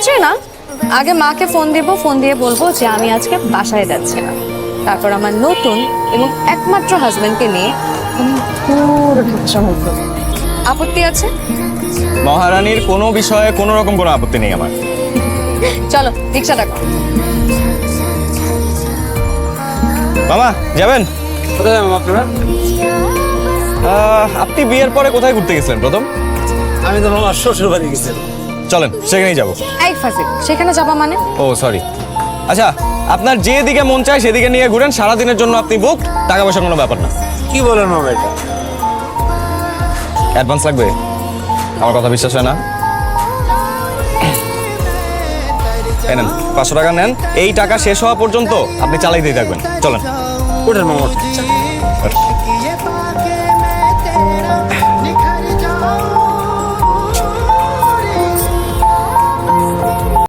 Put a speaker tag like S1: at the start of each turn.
S1: কিছুই না, আগে মাকে ফোন দিব, ফোন দিয়ে বলবো যে আমি আজকে বাসায় যাচ্ছি না। তারপর আমার নতুন এবং একমাত্র হাজবেন্ডকে নিয়ে আপত্তি আছে?
S2: মহারানীর কোনো বিষয়ে কোনো রকম কোনো আপত্তি নেই আমার।
S1: চলো রিক্সা ডাকো।
S2: মামা যাবেন?
S3: কোথায় যাবেন আপনারা?
S2: আপনি বিয়ের পরে কোথায় ঘুরতে গেছিলেন প্রথম?
S3: আমি তো আমার শ্বশুর বাড়ি গেছিলাম।
S2: চলেন সেখানেই যাবো।
S1: এই ফাজিল, সেখানে যাবা মানে?
S2: ও সরি। আচ্ছা, আপনার যেদিকে মন চায় সেদিকে নিয়ে ঘুরেন, সারাদিনের জন্য আপনি বুক, টাকা পয়সার কোনো ব্যাপার না।
S3: কি বলেন মামা এটা?
S2: অ্যাডভান্স লাগবে? আমার কথা বিশ্বাস হয় না? এই নেন 500 টাকা নেন, এই টাকা শেষ হওয়া পর্যন্ত আপনি চালাইতেই থাকবেন। চলেন।
S3: ওঠেন মামা, ওঠেন।